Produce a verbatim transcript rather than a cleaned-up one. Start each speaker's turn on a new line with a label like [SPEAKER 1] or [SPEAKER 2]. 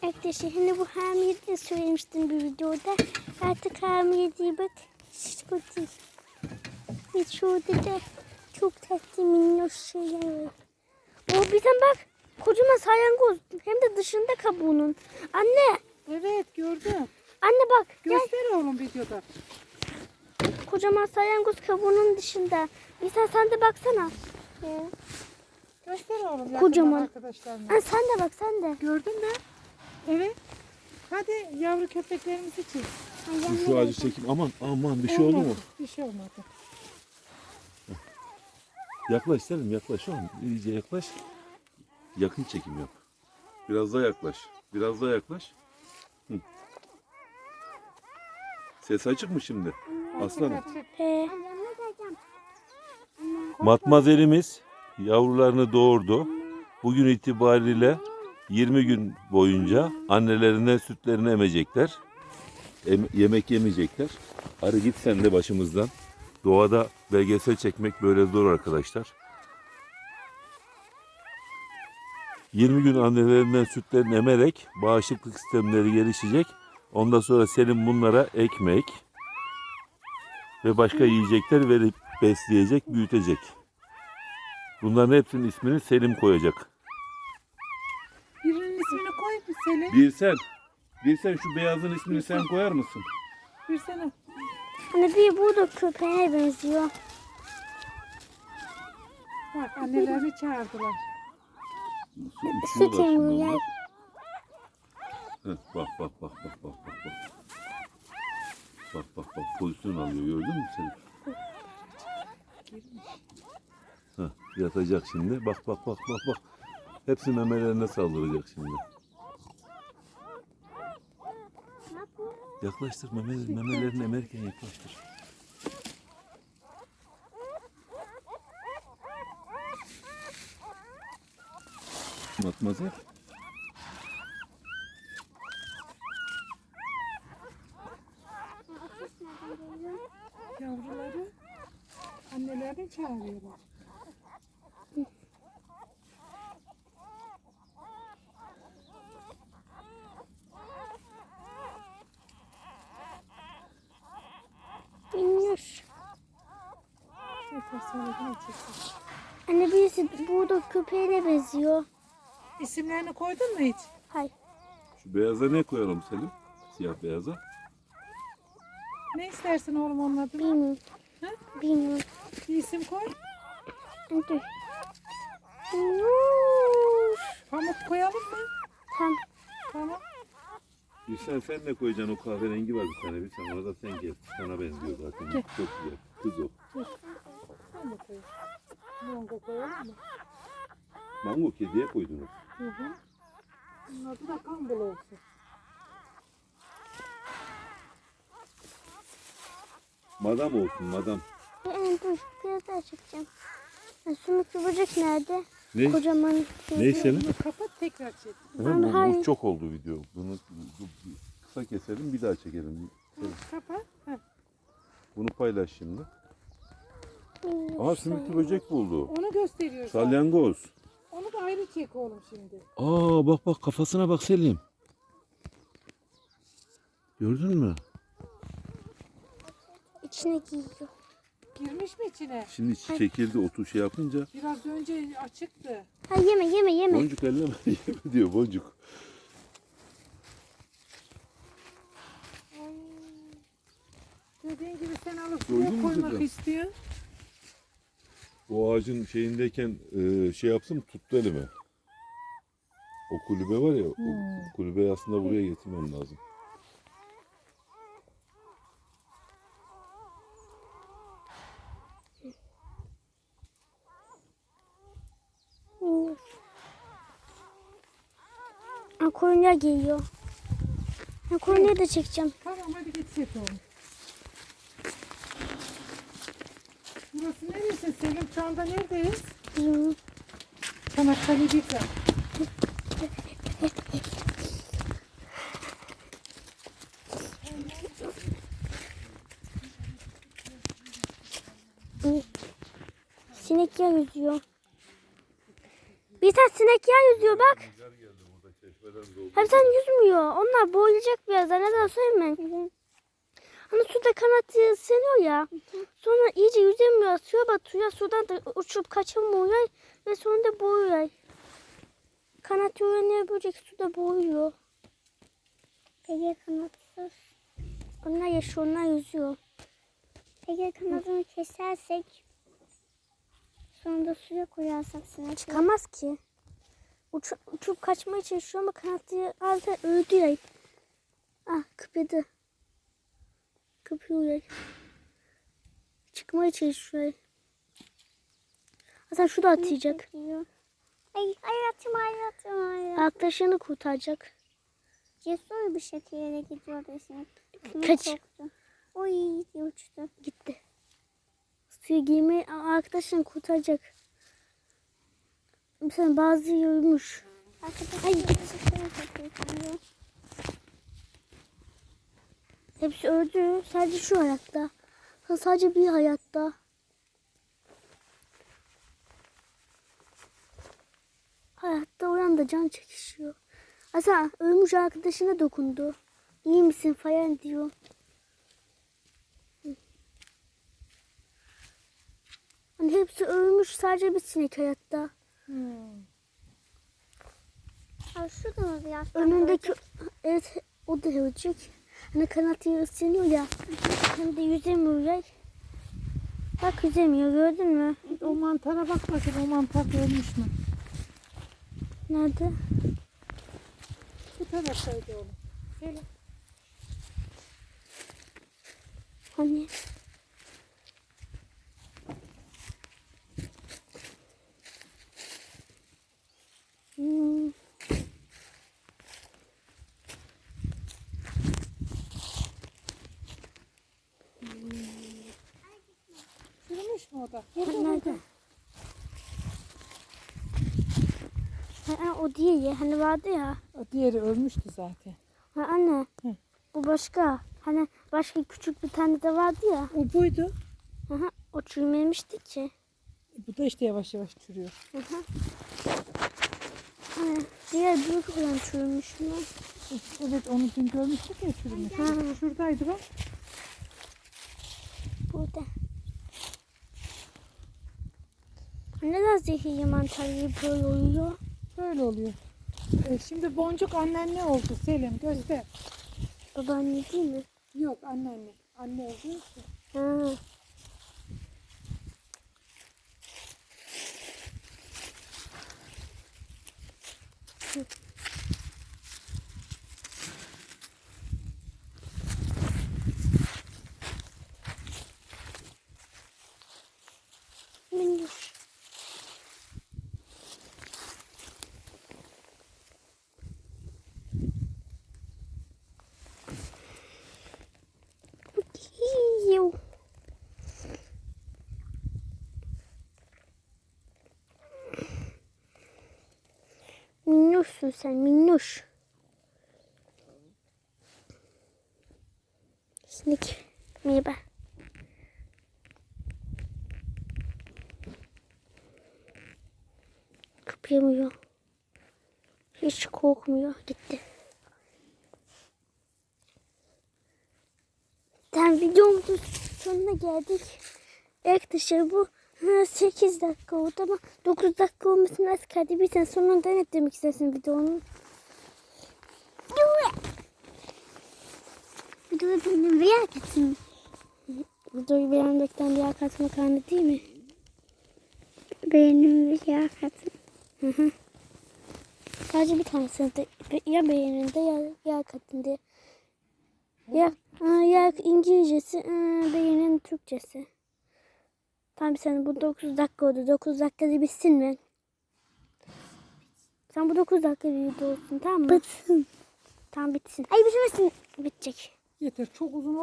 [SPEAKER 1] Arkadaşlar hani bu hamile de söylemiştim bir videoda. Artık hamile değil bak. Şişko değil. Ve şurada da çok tatlı minnoş şeyler var. O bizden bak. Kocaman salyangoz. Hem de dışında kabuğunun. Anne.
[SPEAKER 2] Evet gördüm.
[SPEAKER 1] Anne bak.
[SPEAKER 2] Göster gel. Oğlum videoda.
[SPEAKER 1] Kocaman salyangoz kabuğunun dışında. Mesela sen de baksana. Ee,
[SPEAKER 2] Göster oğlum.
[SPEAKER 1] Kocaman.
[SPEAKER 2] Arkadaşlarına.
[SPEAKER 1] Ha, sen de bak sen de.
[SPEAKER 2] Gördün mü? Evet. Hadi yavru köpeklerimizi çek.
[SPEAKER 1] Ay,
[SPEAKER 3] Şu ağacı çekeyim. Aman aman bir şey oldu mu?
[SPEAKER 2] Bir şey olmadı.
[SPEAKER 3] Yaklaş Selim yaklaş. Şu an iyice yaklaş. Yakın çekim yap. Biraz daha yaklaş. Biraz daha yaklaş. Hı. Ses açık mı şimdi? Aslanım.
[SPEAKER 1] He.
[SPEAKER 3] Matmazelimiz yavrularını doğurdu. Bugün itibariyle yirmi gün boyunca annelerinden sütlerini emecekler. Em- yemek yemeyecekler. Arı git sen de başımızdan. Doğada belgesel çekmek böyle zor arkadaşlar. yirmi gün annelerinden sütlerini emerek bağışıklık sistemleri gelişecek. Ondan sonra Selim bunlara ekmek ve başka yiyecekler verip besleyecek, büyütecek. Bunların hepsinin ismini Selim koyacak.
[SPEAKER 2] Birinin ismini koy bir Selim.
[SPEAKER 3] Bir sen, bir sen şu beyazın ismini sen koyar mısın?
[SPEAKER 2] Bir sene.
[SPEAKER 1] Hani bir bu da köpeğe benziyor.
[SPEAKER 2] Bak annelerini çağırdılar.
[SPEAKER 3] Su,
[SPEAKER 1] Süt
[SPEAKER 3] uçuyorlar şimdi
[SPEAKER 1] emiyor.
[SPEAKER 3] onlar. Heh, bak bak bak bak bak bak bak. Bak bak bak pozisyon alıyor gördün mü Selim? Heh, yatacak şimdi. Bak bak bak bak bak. Hepsi memelerine saldıracak şimdi. Yaklaştır meme, memelerini emerken yaklaştır. Matmazel.
[SPEAKER 2] Yavruları annelerini çağırıyorlar.
[SPEAKER 1] Minnoş.
[SPEAKER 2] Yeter sonra yine çekin.
[SPEAKER 1] Anne birisi bu da köpeğe benziyor.
[SPEAKER 2] İsimlerini koydun mu hiç?
[SPEAKER 1] Hayır.
[SPEAKER 3] Şu beyaza ne koyalım Selim? Siyah beyaza.
[SPEAKER 2] Ne istersin oğlum onun adını?
[SPEAKER 1] Bilmiyorum.
[SPEAKER 2] Ha?
[SPEAKER 1] Bilmiyorum.
[SPEAKER 2] Bir isim koy.
[SPEAKER 1] Hadi. Minnoş.
[SPEAKER 2] Pamuk koyalım mı?
[SPEAKER 1] Tamam.
[SPEAKER 2] Tamam.
[SPEAKER 3] Bir sen sen ne koyacaksın o kahverengi var bir tane bir sen ona da sen gel. Sana benziyor zaten.
[SPEAKER 2] Gel.
[SPEAKER 3] Çok güzel. Kız o.
[SPEAKER 2] Sen de koy. Mango koyalım mı?
[SPEAKER 3] Mango kediye koydunuz.
[SPEAKER 2] Hı hı. Bunun adı da kambul olsun.
[SPEAKER 3] Madam olsun madam.
[SPEAKER 1] Ee, dur biraz daha çekeceğim. Ha, sümüklü böcek nerede?
[SPEAKER 3] Ne?
[SPEAKER 1] Kocaman.
[SPEAKER 3] Ne Selim?
[SPEAKER 2] Bunu kapat tekrar çek.
[SPEAKER 3] Hemen bu,
[SPEAKER 1] hayır.
[SPEAKER 3] bu çok oldu video. Bunu bu- bu- kısa keselim bir daha çekelim. Selim,
[SPEAKER 2] Kapat. Heh.
[SPEAKER 3] bunu paylaş şimdi.
[SPEAKER 1] Minnoş.
[SPEAKER 3] Aa sümüklü böcek buldu.
[SPEAKER 2] Onu gösteriyor. zaten.
[SPEAKER 3] Salyangoz.
[SPEAKER 2] Onu da ayrı çek oğlum şimdi.
[SPEAKER 3] Aa bak bak kafasına bak Selim. Gördün mü?
[SPEAKER 1] İçine giyiyor.
[SPEAKER 2] Girmiş mi içine?
[SPEAKER 3] Şimdi çekildi otu şey yapınca.
[SPEAKER 2] Biraz önce açıktı.
[SPEAKER 1] Ha yeme yeme yeme.
[SPEAKER 3] Boncuk elleme yeme diyor boncuk.
[SPEAKER 2] Dediğin gibi sen alıp
[SPEAKER 3] Doydun
[SPEAKER 2] suya
[SPEAKER 3] mu
[SPEAKER 2] koymak
[SPEAKER 3] kızım?
[SPEAKER 2] istiyor.
[SPEAKER 3] O ağacın şeyindeyken e, şey yapsın tuttu elime. O kulübe var ya,
[SPEAKER 2] Hmm.
[SPEAKER 3] o kulübeyi aslında buraya getirmem lazım.
[SPEAKER 1] Minnoş. Ha, koyunlar giyiyor. Ha, koyunları da çekeceğim.
[SPEAKER 2] Tamam hadi git çek oğlum. Burası neresi Selim? Şu anda neredeyiz?
[SPEAKER 1] Bilmiyorum.
[SPEAKER 2] Çanakkale Bika.
[SPEAKER 1] Sinek yağı yüzüyor. Bir tane sinek yağı yüzüyor bak.
[SPEAKER 3] Rüzgar geldi burada çeşmeden
[SPEAKER 1] Hem sen yüzmüyor. Onlar boğulacak birazdan. Neden söyleme. Hani suda kanat ısınıyor ya. Sonra iyice yüzemiyor. Suya batıyor. Sudan da uçup kaçamıyor. Ve sonunda boğuyor. Kanat öğreniyor böcek suda boğuyor.
[SPEAKER 4] Peki kanatsız.
[SPEAKER 1] Onlar yaşıyor. Onlar yüzüyor.
[SPEAKER 4] Peki kanadını kesersek sonra da suya koyarsak sana
[SPEAKER 1] Çıkamaz ki. Uç, uçup kaçmaya çalışıyor ama kanatı aldı öldü ya. Ah kıpırdı. Kıpırıyor. Çıkmaya çalışıyor. Hasan şu da atlayacak.
[SPEAKER 4] çekiyor. Ay hayatım hayatım hayatım.
[SPEAKER 1] Arkadaşını kurtaracak.
[SPEAKER 4] Cesur bir şekilde gidiyordu şimdi.
[SPEAKER 1] Kaç.
[SPEAKER 4] Korktu. Oy diye uçtu.
[SPEAKER 1] Gitti. Suya girmeyi arkadaşını kurtaracak. Mesela bazı yorulmuş.
[SPEAKER 4] Arkadaşlar gerçekten çok utanıyor.
[SPEAKER 1] Hepsi öldü. Sadece şu hayatta. Sadece bir hayatta. Hayatta olan da can çekişiyor. Hasan ölmüş arkadaşına dokundu. İyi misin falan diyor. Hani hepsi ölmüş. Sadece bir sinek hayatta.
[SPEAKER 2] Hmm.
[SPEAKER 4] Abi şurada mı bir yaslan?
[SPEAKER 1] Önündeki evet o da ölecek. Hani kanatı ısınıyor ya. Hem de yüzemiyor ya. Bak yüzemiyor gördün mü?
[SPEAKER 2] O mantara bak bakayım, o mantar ölmüş mü?
[SPEAKER 1] Nerede?
[SPEAKER 2] Bu taraftaydı oğlum. Gelin.
[SPEAKER 1] Hani? Hmm.
[SPEAKER 2] Çürümüş mü o da?
[SPEAKER 1] Nerede? Ha, o değil ya. Hani vardı ya.
[SPEAKER 2] O diğeri ölmüştü zaten.
[SPEAKER 1] Ha, anne.
[SPEAKER 2] Hı.
[SPEAKER 1] Bu başka. Hani başka küçük bir tane de vardı ya.
[SPEAKER 2] O buydu.
[SPEAKER 1] Aha, o çürümemişti ki.
[SPEAKER 2] Bu da işte yavaş yavaş çürüyor.
[SPEAKER 1] Aha. Hani diğer büyük olan çürümüş mü?
[SPEAKER 2] Evet, onu dün görmüştük ya, çürümüş.
[SPEAKER 1] Ha.
[SPEAKER 2] Şuradaydı bak.
[SPEAKER 1] Burada. Neden zehirli mantar gibi böyle oluyor?
[SPEAKER 2] Böyle oluyor. E, şimdi boncuk annen ne oldu Selim? Göster.
[SPEAKER 1] Babaanne değil mi?
[SPEAKER 2] Yok, anneanne. Anne olduğu için.
[SPEAKER 1] Ha. Minnoş. Hiyo. Minnoşsun sen minnoş. Sinek. Merhaba. Kıpırdamıyor. Hiç korkmuyor. Gitti. Tamam videomuzun sonuna geldik. Arkadaşlar bu sekiz dakika oldu ama dokuz dakika olmasını az kaldı. Bir sen sonunda ne demek istersin videonun?
[SPEAKER 4] Videoyu benim bir yer katın.
[SPEAKER 1] Videoyu beğenmekten bir katma karnı değil mi?
[SPEAKER 4] Benim bir yer katın.
[SPEAKER 1] Hı hı. Sadece bir tanesini de ya beğeninde ya, ya katında. Ya, aa, ya İngilizcesi, aa, beğenin Türkçesi. Tamam sen bu dokuz dakika oldu. dokuz dakikada bitsin mi? Sen bu dokuz dakika bir video olsun tamam mı?
[SPEAKER 4] Bitsin.
[SPEAKER 1] Tamam bitsin.
[SPEAKER 4] Ay bitmesin.
[SPEAKER 1] Bitecek.
[SPEAKER 2] Yeter, çok uzun